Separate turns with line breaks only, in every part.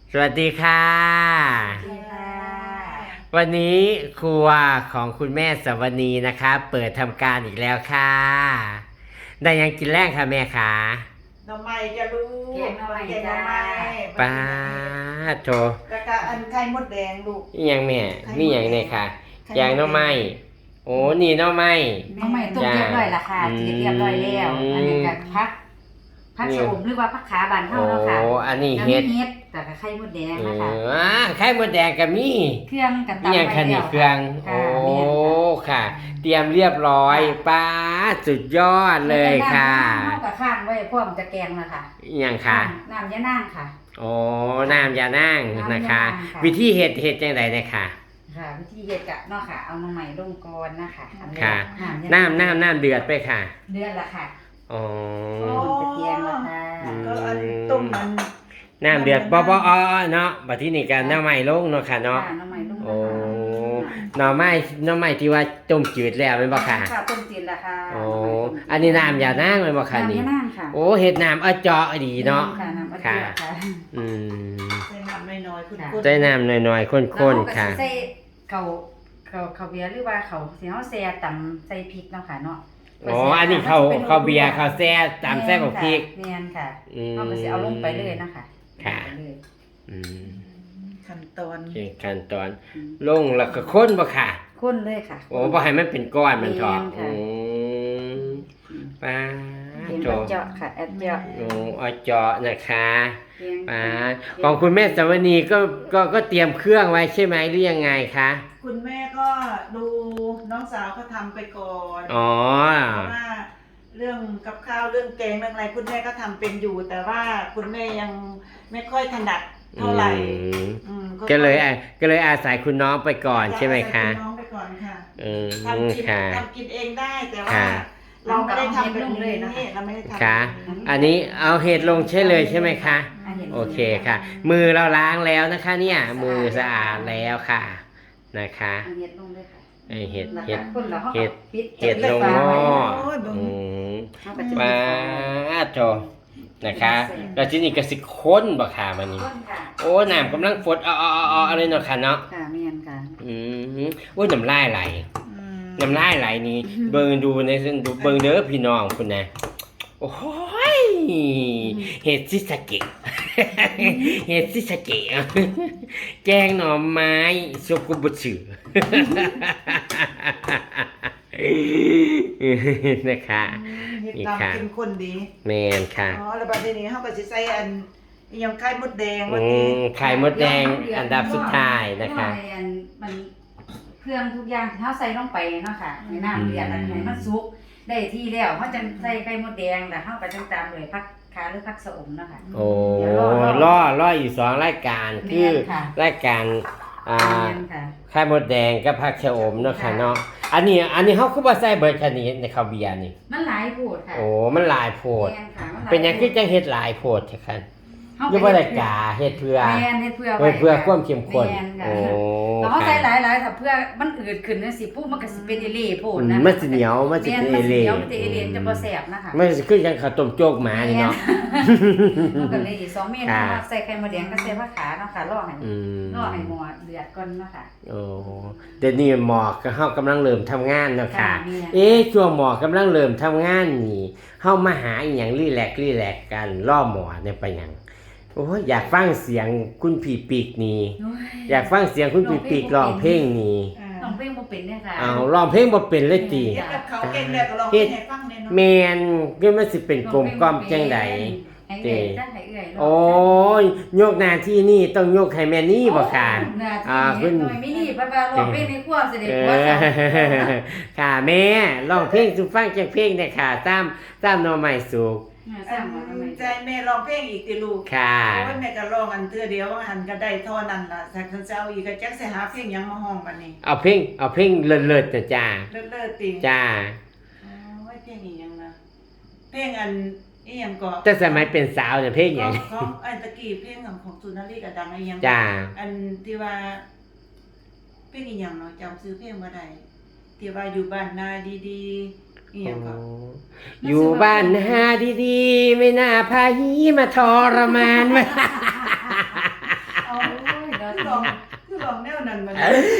สวัสดีค่ะวันนี้ครัวของคุณแม่สวนีนะคะเปิดทำการอีกแล้วค่ะได้ยังกินแรกค่ะแม่คะ
หน่อไม้จะรู้
แกงหน่อไม้
แกงหน่อไม้
ป้าโถ
แล้วก็อันไข่มดแดงลูก
นี่ยังแม่นี่ยังเนี่ยค่ะแกงหน่อไม้โอ้นี่หน่อไม้
น้องใหม่ต้มเรียบร้อยละค่ะจีเรียบร้อยแล้วอันนี้ก็พักชะอมหรือว่าพักขาบานเท่าเนาะค่ะ
โอ้อันนี้
แล้ว
เห็ด
มีเห็ดแต่ก็ไข่มดแดงนะคะ
ไข่มดแดงกับมี
เครื่องกับตำ
นี่ยังค่ะนี่เครื่องโอ้ค่ะ เตรียมเรียบร้อยป้าสุดยอดเลยค่ะ
เท่ากับข้างไว้พร้อมจะแกงนะคะ
ยังค่ะ
น้ำยะนางค่ะ
โอ้น้ำยานั่งนะคะ
น้ำยานางค่ะ
วิธีเห็ดจังไดเนี่ยค่ะ
ค่ะวิธีเฮ็ดกะเนาะค่ะเอาน้องใหม่ลงก่อนนะคะอันแรก
ค่ะ
ยะาง
น้ำเดือดไปค่ะ
เดือนละค่ะ
อ๋อ
ตะเกียงละค่ะ
ก็อันต้มมัน
น้ำเดือดบ่เนาะบัดทีนี้ก็น้ำใหม่ลงเนาะค่ะเนาะ
น้องใหม่ลง
โอ้หน่อไม้ที่ว่าต้มจืดแล้วแม่นบ่ค่ะ
ค่ะต้มจีนละค่ะ
โอ้อันนี้น้ำยานั่งแม่นบ่ค่ะ
น้ำ
นี่
ยะนางค่ะ
โอ้เห็ดน้ำเจาะดีเนาะ
ค่ะน้ำอัด
ค่ะ
เดือดค่ะ
อืม
ใส่น้ำน้อยๆคุณ
ใส่น้ำน้อยๆข้นๆค่ะ
แล้วเราก็สิใส่เขาเบียร์หรือว่าเขาสิเฮาแซ่ตำใส่พริกเนาะค่ะเนาะ
อ๋ออันนี้เขาเบียร์เขาแซ่ตามแซ่บกับพริก
แม่นค่ะ
อืม
เอาก็สิเอาลงไปเลยนะคะ
ค่ะ
ลงไปเลย
อืม
ขั้นตอน
โอเคขั้นตอนลงแล้วก็ค้นบ่ค่ะ
ข้นเลยค่ะ
โอ้บ่ให้มันเป็นก้อนมันเถอะ
แม่นค่ะ
ป้า
เพียง
โจ
แอดเจาะค่ะแอดเจาะ
โอ้เอาเจาะนะคะ
เพียง
ป้าของคุณแม่สวนีก็เตรียมเครื่องไว้ใช่ไหมหรือยังไงคะ
คุณแม่ก็ดูน้องสาวเขาทำไปก่อน
อ๋อ
เพราะว่าเรื่องกับข้าวเรื่องแกงเรื่องอะไรคุณแม่ก็ทำเป็นอยู่ แต่ว่าคุณแม่ยังไม่ค่อยถนัดเท่าไหร่ อืม
ก็เลยอาศัยคุณน้องไปก่อนใช่ไหมคะ
จอาศัยณน้องไปก่อนค่ะ
อืม
ทำกิน
ค่ะ
ทำกินเองได้แต่ว่า
ค่ะ
เราไม่ได้ทำแบบนี้เราไม่ได้ทำ
ค่ะ
แบบนี้
อันนี้เอาเห็ดลงใช่เลยใช่ไหมคะ
อันนี้
โอเคค่ะ มือเราล้างแล้วนะคะ เนี่ยมือสะอาดแล้วค่ะนะคะ
อันเห็ดลงเลยค่ะ
ไอเห็ด
แล้ว
เห็ด
ก็คนละห้อง
เห็ด
ปิด
เห็ดลงหม้ออืม
เขาก็จะ
มาโจนะคะแล้วที่นี่ก็สิค้นบ่ค่ะมันนี่
ข้นค่ะ
โอ้น้ำกำลังฟดอะไรเนาะค่ะเนาะ
ค่ะแม่นค่ะ
อืมโอ้ยน้ำลายไหล
อืม
น้ำลายไหลนี่เบิ่งดูในดูเบิ่งเด้อพี่น้องคุณนะโอ้ยเห็ดซิสะเกะ เห็ดซิสะเกะแกงหน่อไม้ซุปกุบุสึ นะคะ
เฮ็ด
นี่
ตาม
ค่ะ
กินคนดี
แมนค่ะ
อ๋อแล้วบัดนี้เฮาก็สิใส่อันอิหยังไข่มดแดง
อื
ว่าติ
มไข่มดแดงอันดับสุดท้ายนะคะ
เพราว่าอันมันเครื่องทุกอย่างที่เขาใส่ลงไปเนาะค่ะในน้ำเดือดอันไหนมันสุกได้ที่แล้วเขาจะใส่ไข่มดแดงแต่เขาก็จะตามเลยพักขาหรือพักสะอมเนาะค่ะ
โอ้
เดี๋ยวรอ
ล่ออยู่สองรายการคือ
แม่นค่ะ
รายการ
แม่นค่ะ
ไข่มดแดงกับผักชะอมเนาะค่ะเนาะอันนี้เขาคือว่าใส่เบิดชนิดในข้าวเบียร์นี่
มันหลายโพดค่ะ
โอ้มันหลายโพด
แม่นค่ะมัหลา
เป็นหยังคือจังเฮ็ดหลายโพดใช่คั่น
เฮา
อยู่บ่ได้กาเฮ็ดเพื่อ
แม่นเฮ็ดเพื่อ
เพื่อความเข้มข้น
แม่นค่ะ
โอ้
แต่เขา
ค่ะ
ใส่หลายๆถ้าเพื่อมันอืดขึ้นจังซี่ปุ๊บมันก็สิเป็นเอเล่โพดนะ
มันสิเหนียวมันสิ
แม่น
เป็น
มันสิ
เอ
เหนี
เล่
ยวมันจะเอเล่จะบ่แซ่บนะคะ
มันสิคือจังข้าวต้มโจกหมานี่เนาะ
มันก็เลยอีก2เมนู
ค่ะ
ใส่ไข่มดแดงกับใส่ผักขาเนาะค่ะรอให้
อืม
รอให้หม้อเดือดก่อนเนาะค่ะ
โอ้เดี๋ยวนี้หมอกก็เฮากำลังเริ่มทำงานเนาะค่ะ
ค่ะมีนะ
ช่วงหมอกำลังเริ่มทำงานนี่เฮามาหาอีหยังรีแลกซ์กันล่อหมอเนี่ยไปหยังโอ้ยอยากฟังเสียงคุณผีปีกนี่
โอ้ย
อยากฟังเสียงคุณผีปีกร้องเพลงนี่
อ่า
น้องเพลงบ่เป็นเด้อค่ะ
เอาร้องเพลงบ่เป็นเลยติ
เฮ็ดกับเขาเก่งแล้วก็ลองให้ฟังแน่เนาะ
แม่นคือมันสิเป็นกลมกล่อมจังได
ให้เอื้อยจ้ะให้เอื้อย
โอ้ยยกหน้าที่นี่ต้องยกให้แม่นี่บ่ค่ะ
คุณน้อยมินี่ป้าๆร้องเพลงในครัวสิได้
เอ
ผัว
อ
จ้ะ
ค่ะแม่ร้องเพลงสู่ฟังจักเพลงได้ค่ะตามหน่อไม้สุก
สร้างบ่ทำไม
ใจแม่ร้องเพลงอีกติลูก
ค่ะ
โอ้ยแม่ก็ร้องอันเทื่อเดียวว่าหันก็ได้เท่านั้นล่ะแต่คันเจ้าอีกก็จักสิหาเพลงหยังมาฮ้องบัดนี้
เอาเพลงเลิศๆจ้ะจ้า
เลิศๆติ
จ้า
โอ้ยเพลงอีหยังนะเพลงอันอีหยังก็
แต่สมัยเป็นสาวเนี่ยเพลงหยัง
ของอันตะกี้เพลงของสุนารีก็ดังอีหยัง
จ้า
อันที่ว่าเพลงอีหยังเนาะจำชื่อเพลงบ่ได้ที่ว่าอยู่บ้านนาดีๆอีหยังก็
อยู่บ้านหาดีๆ ไม่น่าพาหีมาทรมาน
เคือลองแนวนั้นมา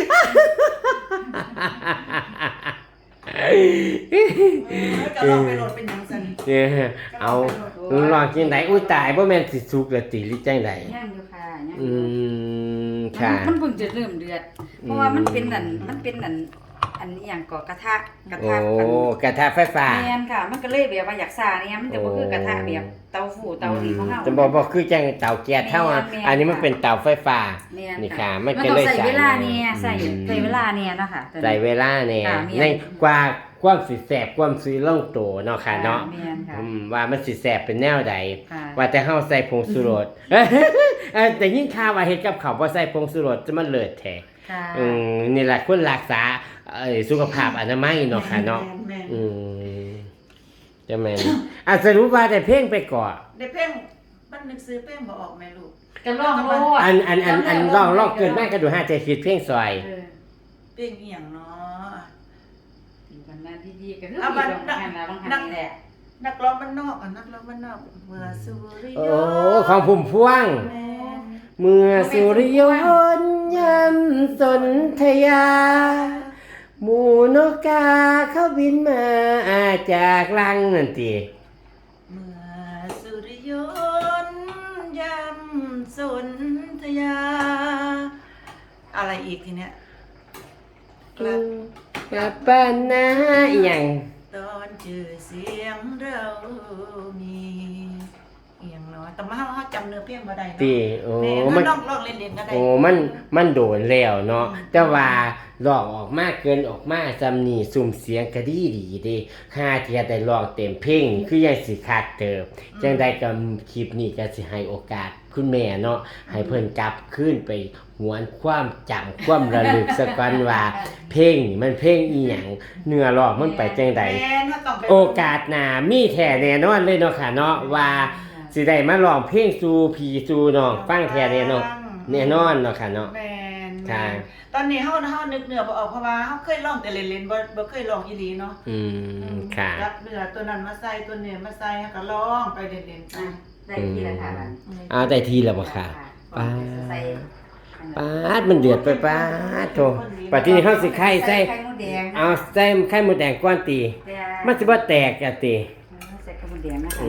ก็ลองไปโหลดเป็นหยังซั่น
เนี่ยเอาลองจังไดอุ้ยตายบ่แม่นสิสุกแล้วติหรือจังได
ย่างอยู่ค่ะย่างอ
อื
ยู่
มค่ะ
มันเพิ่งจะเริ่มเดือด เพราะว่ามันเป็นอันนี้อย่างก่อกระทะ
โอ้กระทะไฟฟ้า
แม่นค่ะ มันก็เลยแบบว่าอยากซ่าเนี่ยมันจะบ่คือกระทะแบบเตาฟูเตานี่ของเฮา
จะบอกคือจังเตาแก๊สเท่าอ่ะ
แม่น
อันนี้มันเป็นเตาไฟฟ้า
แม่น
นี่
ค่ะ
ค่ะมัน
มัน
ก็
ต้อง
เลย
ใส่เวลาเนี่ย
อืม
ใส่เวลาเนี่ยเนาะค่ะตัวนี้
ใส่เวลาเนี่ย
ค่ะแม่น
ในกว่าความสิแสบความสิลงโตเนาะค่ะเนาะ
แม่นค่ะ
ว่ามันสิแสบเป็นแนวใด
ค่ะ
ว่าแต่เฮาใส่ผงชูรสแต่ยิ่งข่าวว่าเฮ็ดกับข้าวบ่ใส่ผงชูรสจะมันเลิศแท้
ค่ะ
นี่แหละควรรักษาสุขภาพอนามัยเนาะค่ะเนาะ
แม่น
อืมจะแม่นสรุปว่าแต่เพลงไปก่อน
ได้เพ่งมันนึกซื้อเพ่งบ่ออกแม่ลูก
จะลองโลด
อันร้องเกินมากก็ดู5ใจคิดเพลงซอย
เออ
เพ่งอีหยังเนาะ
อยู่กันมาที่ดีก็คือ
เอา
ดี
บัด
ลงกันแล้วบางครั้งนี่แหละ
นักร้องบ้านนอกนักร้องบ้านนอกเมื่อสุริย
โอ้
นต์
ของพุ่มพวง
แม่
เมื่อสุริยนต์ยำสนธยา หมูนกกาเขาบินมาจากลังนั่นติ
เมื่อสุริยนต์ยำสนธยา อะไรอีกทีเนี้ยกลับ
กับป้านนาอหย่าง
ตอนเจอเสียงเรามีเอียงเนาะแต่มาเขาจำเนื้อเพลงบ่ได้เนาะ
ติโอ้
แม่
มัน
ลองเล่นๆก็ได้
โอ้มันโดนแล้วเนาะแต่ว่าลองออกมาเกินออกมาจำนี่สุ่มเสียงก็ดีเด้ค่าที่จะได้ลองเต็มเพลงคือยังสิคักเติบจังใดก็คลิปนี้ก็สิให้โอกาสคุณแม่เนาะให้เพิ่นกลับคืนไปหวนความจำความระลึกสักวันว่าเพลงนี่มันเพลงอีหยังเนื้อร้องมันไปจังใด
แม่ถ้าต้องไป
โอกาสหน้ามีแท้แน่นอนเลยเนาะค่ะเนาะว่าสิได้มาร้องเพลงสู่พี่สู่น้องฟังแท้แน่นอนแน่นอนเนาะค่ะเนาะ
แม่น
ค่ะ
ตอนนี้เฮานึกเนื้อบ่ออกเพราะว่าเฮาเคยร้องแต่เล่นๆบ่เคยร้องอีหลีเนาะ
อืมค่ะ
รับเนื้อตัวนั้นมาใส่ตัวนี้มาใส่เฮาก็ร้องไปเล่นๆไป
ได้ที่ละค่ะบัด
ได้ทีแล้วบ่ค่ะ
ป้าใส่
ปาดมันเดือดไปปาดโถปัดที่นี่เฮาสิไข่ใส่
ไข่มดแดง
เอาใส่ไข่มดแดงก้อนตีมันสิบ่แตกอะติ
ใส่ไข่มดแดงนะคะ
อื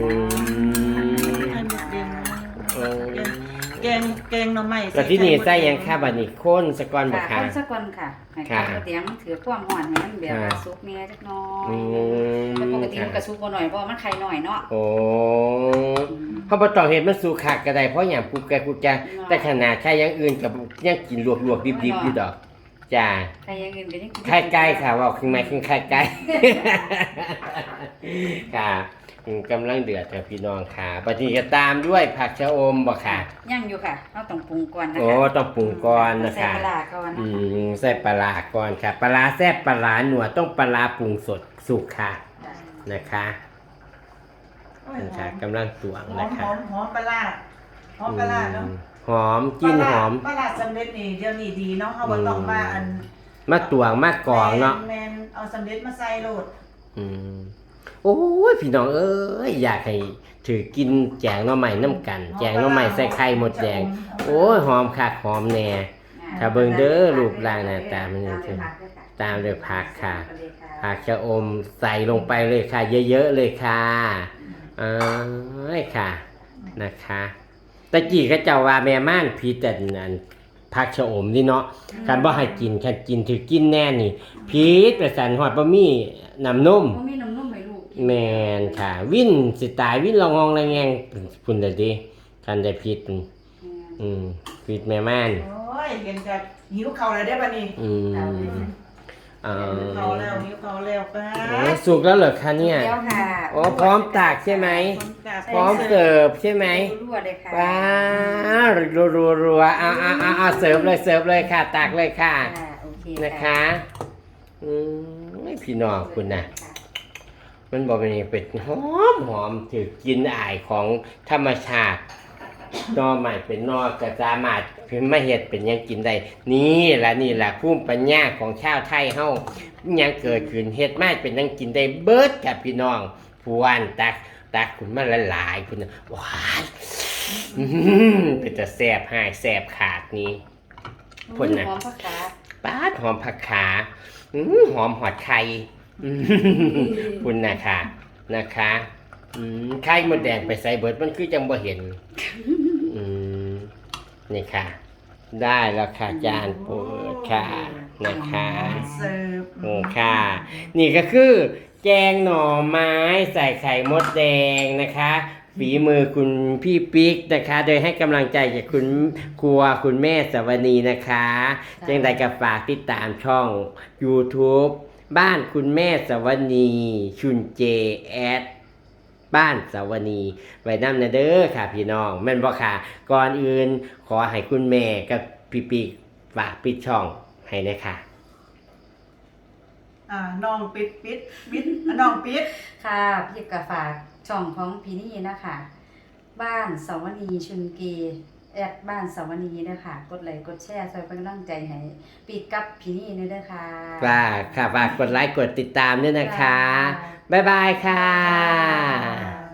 ม
แกงหน่อไม้
ปัดที่นี่ใส่หยังค่ะบัดนี้โคนสะก่อนบ่
ค่ะ
ค่ะ
คนสักคนค่ะให้ไข่มดแดงมันถือความหอมให้มันแบบว่าสุกแน่จักหน่อย
อืม
แต่ปกติมันก็สุกบ่หน่อยเพราะว่ามันไข่หน่อยเนาะ
โอ้เฮาบ่ต้องเฮ็ดมันสุกคักก็ได้เพราะหยังกูแกกูจะแต่ขนาดไข่อย่างอื่นก็ยังกินลวกๆดิบๆอยู่ดอกจ้า
ไข่อย่างอื่นก็ยังกิน
ไข่ไก่ค่ะว่าขึ้นมาขึ้นไข่ไก่ ค่ะกำลังเดือดค่ะพี่น้องค่ะปฏิจะตามด้วยผักชะอมบ่ค่ะ
ยังอยู่ค่ะเราต้องปรุงก่อนนะคะ
โอ้ต้องปรุงก่อนนะ
ใส่
คะ
ปลาร้าก่อน
อืมใส่ปลาร้าก่อนค่ะปลาร้าแซ่บปลาร้าหนัวต้องปลาร้าปรุงสดสุกค่ะนะคะนะคะกำลังตวง
หอ
นะ
ม
คะ
หอมปลาร้าหอมปลาร้าเนาะ
หอมกลินหอม
ปลาร้าสำเร็จนี่เดี๋ยวนี้ดีเนาะเฮาบ่ต้องมาอัน
มาตวงมากรองเนาะ
แม่นเอาสำเร็จมาใส่โลด
อืมโอ้ยพี่น้องเอ้ยอยากให้ถือกินแจงหน่อไม้น้ำกัน แจงหน่อไม้ใส่ไข่หมดแดงโอ้ยหอมคักหอมแน่ ถ้าเบิ่งเด้อรูปร่างหน้าตามันจังซี่ตามด้วยผักค่ะ ผักชะอมใส่ลงไปเลยค่ะ เยอะๆเลยค่ะเอ้ยค่ะนะคะตะกี้ก็เจ้าว่าแม่ม่านผิดแต่นั่นผักชะอมนี่เนาะการบ่ให้กินคันกินถือกินแน่นี่ผิดประสันฮอดบ่มีน้ำนม
บ่มีน้ำนมให้ลูกกิน
แม่นค่ะ วินสิตายวินละงองละแงงพุ่นเด้อเดิคันได้ผิดผิดแม่ม่าน
โอ้ยเห็นกับหิวข้าวแล้วเด้อบัดนี้
อ่า
หิวข้าวแล้วป้า
โอ้สุกแล้วเหรอคะเนี่ย
เดี๋ยวค่ะ
อ๋อพร้อมตากใช่ไหม พร้อม
เสิร์ฟ
เสิร์ฟใช่ไหม
รั่วๆเลยค่ะ
ว้าวรัวๆเอาเสิร์ฟเลยค่ะตากเลยค่ะ
โอเค
นะคะพี่น้องคุณนะมันบอกเป็นหอมถือกินอายของธรรมชาตินอใหม่เป็นนอกระสามารถเป็นมะเห็ดเป็นหยังกินได้นี่แหละภูมิปัญญาของชาวไทยเฮายังเกิดขึ้นเฮ็ดมาเป็นหยังกินได้เบิดกับพี่น้องพวนตักคุณมาละลายคุณนะหวานเป็นแต่แซ่บหายแซ่บขาดนี้พุ่นน่ะ
หอมผักขา
ป๊าดหอมผักขาหอมหอดไข่อืมพุ่นนะคะนะคะไข่มดแดงไปใส่เบิดมันคือจังบ่เห็นนี่ค่ะ ได้แล้วค่ะจานเปิดค่ะนะคะ
เสิร์ฟ
โอ้ค่ะ นี่ก็คือแกงหน่อไม้ใส่ไข่มดแดงนะคะฝีมือคุณพี่ปิ๊กนะคะ โดยให้กำลังใจจากคุณครัวคุณแม่สวนีนะคะจังใดก็ฝากติดตามช่อง YouTube บ้านคุณแม่สวนีชุนเจแอดบ้านสวนีไว้นำนะเด้อค่ะพี่น้องแม่นบ่ค่ะ ก่อนอื่นขอให้คุณแม่กับพี่ปิ๊กฝากปิดช่องให้เลยค่ะ
น้องปิดน้องปิด
ค่ะพี่กะฝากช่องของพี่นี่นะคะบ้านสวนีชุนเกแอดบ้านสวนีนะคะกดไลค์กดแชร์ช่วยเป็นกำลังใจให้ปีกกับพี่นี่เด้อค่ะ
ฝากกดไลค์กดติดตามด้วยนะคะ บ๊ายบายค่ะ